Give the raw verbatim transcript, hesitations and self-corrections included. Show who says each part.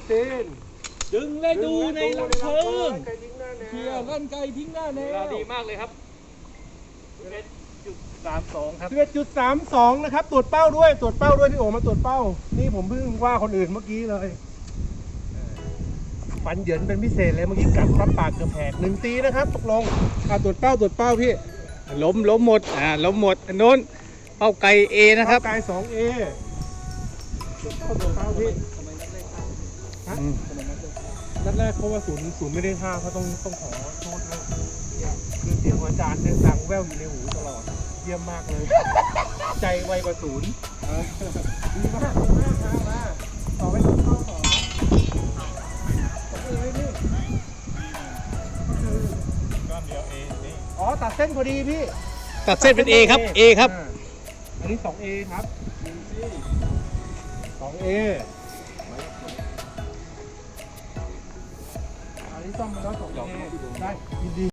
Speaker 1: ซีน
Speaker 2: ดึงและดูในลำเพลิง
Speaker 1: ไก่ทิ้งหน้าแนว
Speaker 2: เคลียร์ลั่นไกทิ้งหน้าแน
Speaker 3: เวลาว ดีมากเลยครับสิบเอ็ดจุดสามสองครับ
Speaker 1: สิบเอ็ดจุดสามสองนะครับตรวจเป้าด้วยตรวจเป้าด้วยพี่โอมาตรวจเป้านี่ผมเพิ่งว่าคนอื่นเมื่อกี้เลยฟันเหยินเป็นพิเศษเลยเมื่อกี้กัดปั๊บปากเกือบแหกหนึ่งตีนะครับตกลงอ่าตรวจเป้าตรวจเป้าพี่
Speaker 3: ล้มล้มหมดอ่าล้มหมดอันโน้นเป้าไก่เอนะครับ
Speaker 1: กายสองเอตรวจเป้าตรวจเป้าพี่ฮะนัดแรกเพราะว่าศูนย์ศูนย์ไม่ได้ห้าเขาต้องต้องขอโทษด้วยคือเสียงของอาจารย์เนี่ยดังแว่วอยู่ในหูตลอดเยี่ยมมากเลย ใจไวกว่าศูนย์เออดีมากดีมากมามาต่อไปตรวจเป้าต่อต้องเอไว้พี่อ๋อตัดเส้นพอดีพี่
Speaker 3: ตัดเส้นเป็น A ครับ A ครับ
Speaker 1: าอันนี้ สองเอ ครับ สองเอ อันนี้ซ่อมมาแล้ว สองเอ ได้ยินดี